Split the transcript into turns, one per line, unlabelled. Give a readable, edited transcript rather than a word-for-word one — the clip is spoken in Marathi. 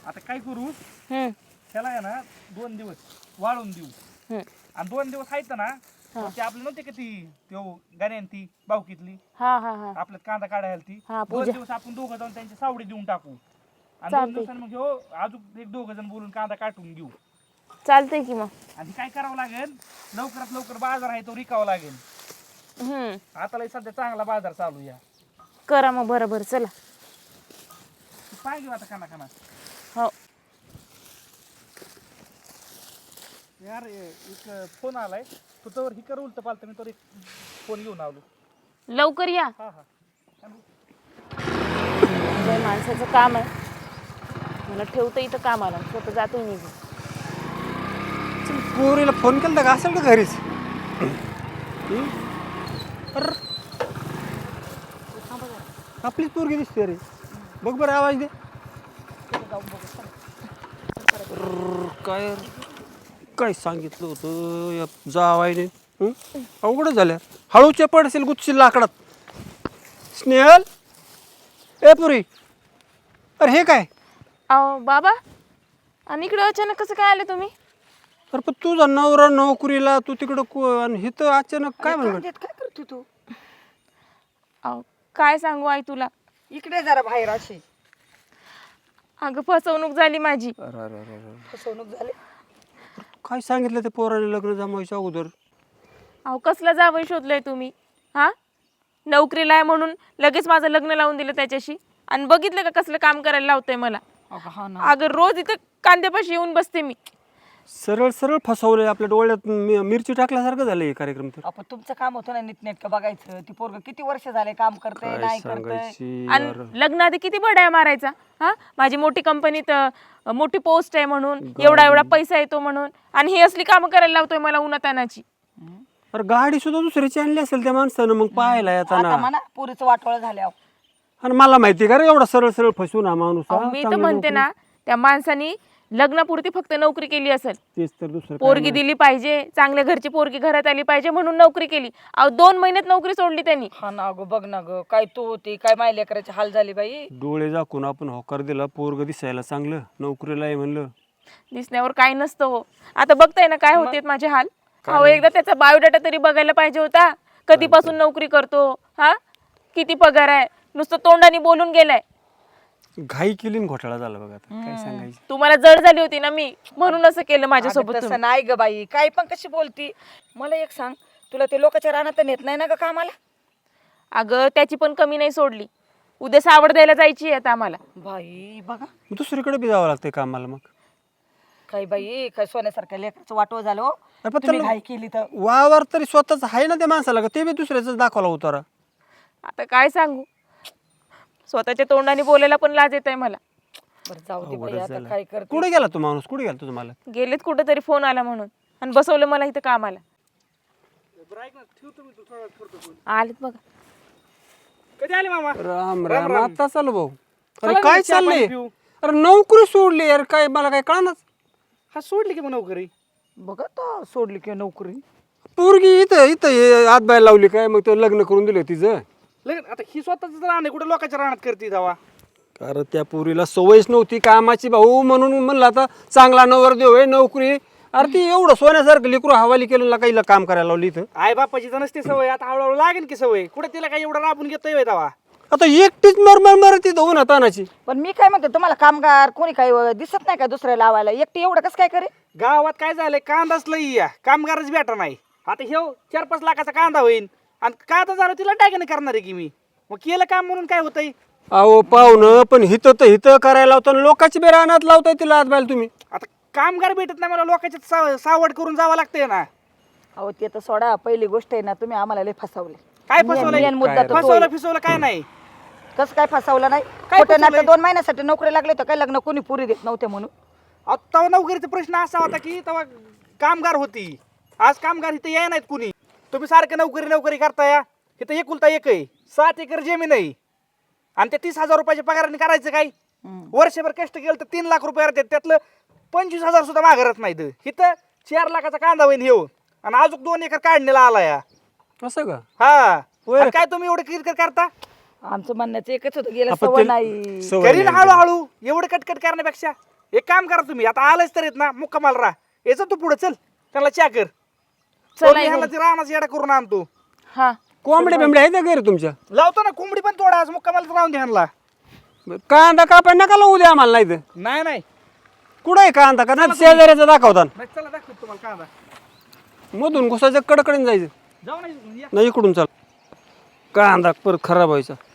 आता काय करू
हम्म
त्याला आहे ना 2 दिवस वाळून देऊ आणि 2 दिवस आहेत ना ते आपलं नव्हते का ती गाण्यान ती बावकीतली
हा हा हा
आपल्यात कांदा काढायला ती
हा,
2 दिवस आपण दोघं जाऊन त्यांची सावडी देऊन टाकू आणि 2 दिवसांनी मग अजून एक दोघं जण बोलून कांदा काटून घेऊ.
चालतंय की मग.
आणि काय करावं लागेल लवकरात लवकर बाजार आहे तो रिकावा लागेल. आता सध्या चांगला बाजार चालू या
करा मग बरोबर. चला
पाय घेऊ आता खाना खाना.
हो
यार एक फोन आलाय तू तर ही कर उलट पालत मी तर एक फोन घेऊन आलो.
लवकर या.
हा हा
माणसाचं काम आहे मला ठेवतं इथं कामाला स्वतः जातो निघून.
पोरीला फोन केला का असेल का घरीच? आपलीच पोरगी दिसते रे. बघ बरं आवाज दे. काय काय सांगितलं होतं जावायने? अवघड झाल्या. हळूच्या पडशील गुच्छी लाकडात. स्नेहल ए पुरी अरे हे काय?
अहो बाबा आणि इकडे अचानक कसं काय आले तुम्ही?
अरे पण तुझा नवरा नोकरीला तू तिकडं आणि हे तर अचानक काय म्हणत?
काय करतो तू?
अहो काय सांगू आई तुला.
इकडे जरा बाहेर अशी
अगं फसवणूक झाली माझी.
फसवणूक झाली.
काय सांगितलं ते पोराने लग्न जमायच्या अगोदर?
अहो कसला जावई शोधलंय तुम्ही? हा नोकरीला आहे म्हणून लगेच माझं लग्न लावून दिलं त्याच्याशी आणि बघितलं का कसलं काम करायला लावतंय मला. अगं रोज इथं कांद्यापाशी येऊन बसते मी.
सरळ सरळ फसवलंय आपल्या डोळ्यात मिरची टाकल्यासारखं झालं हे कार्यक्रम. तर
आपण तुमचं काम होतं ना नीटनेटकं बघायचं. ती पोरग किती वर्ष झाले काम करते नाही करते
आणि लग्नाआधी किती बड्या मारायचा. हा माझी मोठी कंपनीत मोठी पोस्ट आहे म्हणून एवढा एवढा पैसा येतो म्हणून आणि ही असली कामं करायला लावतोय मला उन्हातानाची.
अरे गाडी सुद्धा दुसऱ्याची आणली असेल त्या माणसानं मग पाहायला येताना.
म्हणा पोरीचं वाटोळ झाल्या.
आणि मला माहिती का रे एवढा सरळ सरळ फसवून हा माणूस.
मी तर म्हणते ना त्या माणसानी लग्नापुरती फक्त नोकरी केली असेल.
तेच तर दुसरं
पोरगी दिली पाहिजे चांगल्या घरची पोरगी घरात आली पाहिजे म्हणून नोकरी केली. अहो 2 महिन्यात नोकरी सोडली त्यांनी.
हा ना गं बघ ना ग काय तू होती काय माय लेकराची हाल झाली बाई.
डोळे झाकून आपण होकार दिला पोरग दिसायला चांगलं नोकरीला आहे म्हणलं.
दिसण्यावर काही नसतं हो. आता बघताय ना काय होते माझे हाल. अहो एकदा त्याचा बायोडाटा तरी बघायला पाहिजे होता. कधीपासून नोकरी करतो हा किती पगार आहे नुसतं तोंडाने बोलून गेलाय.
घाई केली आणि घोटाळा झाला बघा. आता काय सांगायचं.
तुम्हाला जड झाली होती ना मी म्हणून असं केलं माझ्यासोबत.
तसं नाही ग बाई काय पण कशी बोलती. मला एक सांग तुला ते लोकांच्या रानात नेत नाही ना ग कामाला?
अगं त्याची पण कमी नाही सोडली. उद्या सावड द्यायला जायची आहे आता आम्हाला.
बाई बघा
दुसरीकडे बी जावं लागतंय कामाला मग.
काय बाई काय सोन्यासारख्या लेकराचं वाटोळ झालं हो.
अरे पण
तुम्ही
त्याला
घाई केली तर.
वावर तरी स्वतःच आहे ना त्या माणसाला का ते बी दुसऱ्याच दाखवला उतारा.
आता काय सांगू स्वतःच्या तोंडाने बोलायला पण लाज येत आहे मला.
बरं जाऊ दे बाई आता काय करते.
कुठे गेला तो माणूस? कुठे गेला तुझा मला?
गेलेत कुठं तरी फोन आला म्हणून आणि बसवलं मला इथं कामाला. आलेत बघा.
कधी आले मामा?
राम राम आता चालू भाऊ. अरे काय चाललंय? अरे नोकरी सोडली यार काय मला काय कळणार.
हा सोडली की मग नोकरी?
बघा तर सोडली की नोकरी.
पोरगी इथं इथं हात बाहेर लावली काय मग ते लग्न करून दिलं तिचं.
लग्न आता ही स्वतःच राहणे कुठे लोकांच्या राहण्यात करते जावा.
कारण त्या पोरीला सवयच नव्हती कामाची भाऊ म्हणून म्हणलं आता चांगला नवरदेव आहे नोकरी. अरे ती एवढं सोन्यासारखं लेकरू हवाली केलं काही काम करायला लावली इथं.
आई बापाची तर नसते सवय आता हळूहळू लागेल की सवय. कुठे तिला काही एवढं राबून घेतोय जावा.
आता एकटीच मर ती धुवून तानाची.
पण मी काय म्हणते तुम्हाला कामगार कोणी काही दिसत नाही का दुसऱ्या लावायला? एकटी एवढं कसं काय करे?
गावात काय झालंय कांदाच लई या कामगारच भेटा नाही. आता हे 4-5 लाखाचा कांदा होईल आणि का आता झालं तिला टाकीने करणार आहे की मी. मग केलं काम म्हणून काय होतंय?
अहो पाहुणं पण हिथं तर हिथं करायला लावताना लोकांची बे रानात लावताय तिला हात बाहेर तुम्ही.
आता कामगार भेटत नाही मला लोकांच्या सावड करून जावं लागतंय ना.
अहो ते तर सोडा पहिली गोष्ट आहे ना तुम्ही आम्हाला लय फसवले.
काय
मेन मुद्दा तर
फसवलं फिसवलं काय नाही.
कसं काय फसवलं नाही?
काय
खोटं
फसवलंय?
नाटक 2 महिन्यासाठी नोकरी लागले तर काय लग्न कोणी पुरी देत नव्हते म्हणून.
तेव्हा नोकरीचा प्रश्न असा होता की तेव्हा कामगार होती. आज कामगार इथे याय नाहीत कुणी. तुम्ही सारखं नोकरी करताय. इथं एकुलता एक आहे 7 एकर जमीन आहे आणि ते 30,000 रुपयाच्या पगाराने करायचं काय? वर्षभर कष्ट केलं तर 3 लाख रुपये येतात त्यातलं 25,000 सुद्धा माघारत नाहीत. इथं 4 लाखाचा कांदा होईन येऊ आणि अजून 2 एकर काढणीला आला या.
असं का?
हा आणि काय तुम्ही एवढं किरकिर करता?
आमचं म्हणण्याचं एकच होतं गेलं
आपण
सवय
ते-
नाही.
सवय
करीन
नाही.
हळूहळू एवढं कटकट करण्यापेक्षा एक काम करा तुम्ही, आता आलंच तर येत ना मुक्कामाला राहा, यायचं तू पुढे चल, त्याला चॅक कर.
चला
ह्याला ती रानाचा येडा करून आणतो.
हा
कोंबड्या बिंबड्या आहेत ना घरी तुमच्या?
लावतो ना कोंबडी पण थोडा, आज मुक्कामाला राहून द्या ह्यांना.
कांदा कापाय नका लावू द्या आम्हाला, नाही तर
नाही नाही
कुठं आहे कांदा का नाही शेजाऱ्याचा दाखवता
नाही, चला दाखवतो तुम्हाला कांदा.
मधून घुसायचं कडकडीन जायचं
जाऊ नाही या.
नाही इकडून चाल कांदा परत खराब व्हायचा.